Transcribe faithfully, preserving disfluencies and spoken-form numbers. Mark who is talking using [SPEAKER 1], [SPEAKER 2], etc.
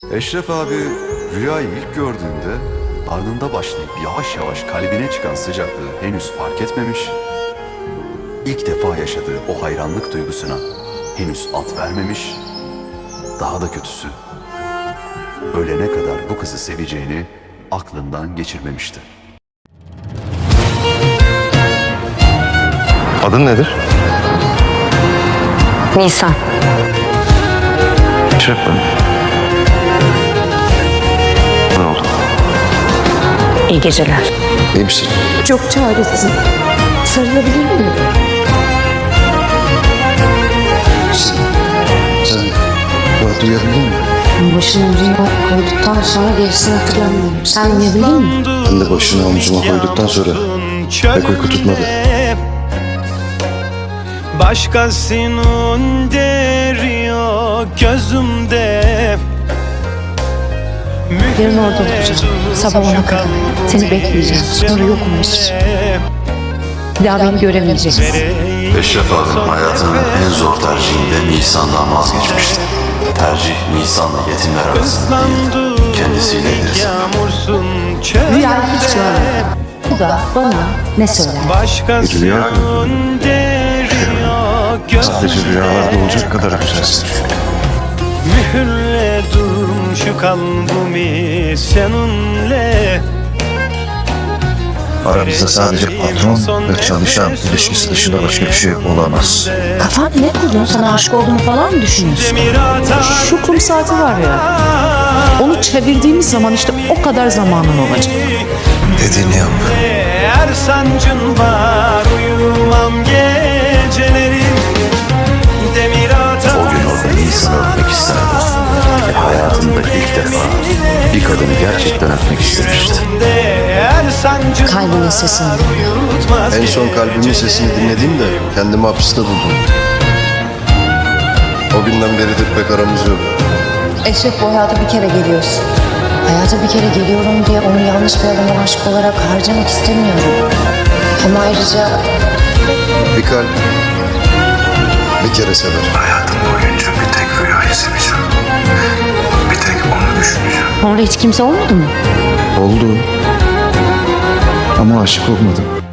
[SPEAKER 1] Eşref abi rüyayı ilk gördüğünde ardında başlayıp yavaş yavaş kalbine çıkan sıcaklığı henüz fark etmemiş, ilk defa yaşadığı o hayranlık duygusuna henüz ad vermemiş, daha da kötüsü, ölene kadar bu kızı seveceğini aklından geçirmemişti.
[SPEAKER 2] Adın nedir?
[SPEAKER 3] Nisan.
[SPEAKER 2] Eşref ben. Ne oldu?
[SPEAKER 3] İyi geceler.
[SPEAKER 2] İyi misin?
[SPEAKER 3] Çok çaresizim. Sarılabilir miyim?
[SPEAKER 2] Sen bu duyabildin mi?
[SPEAKER 3] Başını omzuma koyduktan sonra gerisini hatırlamıyorum. Sen uyuyabildin mi?
[SPEAKER 2] Ben de başını omzuma koyduktan sonra pek uyku tutmadı.
[SPEAKER 4] Başkasının deri yok gözümde.
[SPEAKER 3] Yarın orada olacağım. Sabah ona kadar. Seni bekleyeceğim. Sonra yokum Mesut. Bir daha beni göremeyeceksin.
[SPEAKER 1] Eşref abim hayatının en zor tercihinde Nisan'dan vazgeçmişti. Tercih Nisan'la yetimler arasında değildi, kendisiyle edildi.
[SPEAKER 3] Rüyayı hiç görmedim. Bu da bana ne söyler?
[SPEAKER 2] Bir rüya sadece rüyalarda olacak kadar güzelsin.
[SPEAKER 4] Mühürledim şu kalbimi seninle.
[SPEAKER 2] Aramızda sadece patron ve çalışan ilişkisi dışında başka bir şey olamaz.
[SPEAKER 3] Kafan ne kurdun? Sana aşık olduğumu falan mı düşünüyorsun?
[SPEAKER 5] Şu kum saati var ya, onu çevirdiğimiz zaman işte o kadar zamanın olacak.
[SPEAKER 2] Dediğini yap.
[SPEAKER 4] Eğer sancın var uyumam geceleri. Demir atar.
[SPEAKER 1] O gün orada Nisan'ı öpmek isterdi. Ve hayatında ilk defa bir kadını gerçekten öpmek istemişti.
[SPEAKER 3] Kalbinin sesini.
[SPEAKER 2] En son kalbimin sesini dinlediğimde kendimi hapiste buldum. O günden beridir pek aramız yok.
[SPEAKER 3] Eşref, bu hayata bir kere geliyorsun. Hayata bir kere geliyorum diye onu yanlış bir adama aşık olarak harcamak istemiyorum. Ama ayrıca
[SPEAKER 2] Bir kalp bir kere sever. Hayatım boyunca bir tek rüyayı seveceğim. Bir tek onu düşüneceğim.
[SPEAKER 3] orada hiç kimse olmadı mı?
[SPEAKER 2] Oldu. Ama aşık olmadım.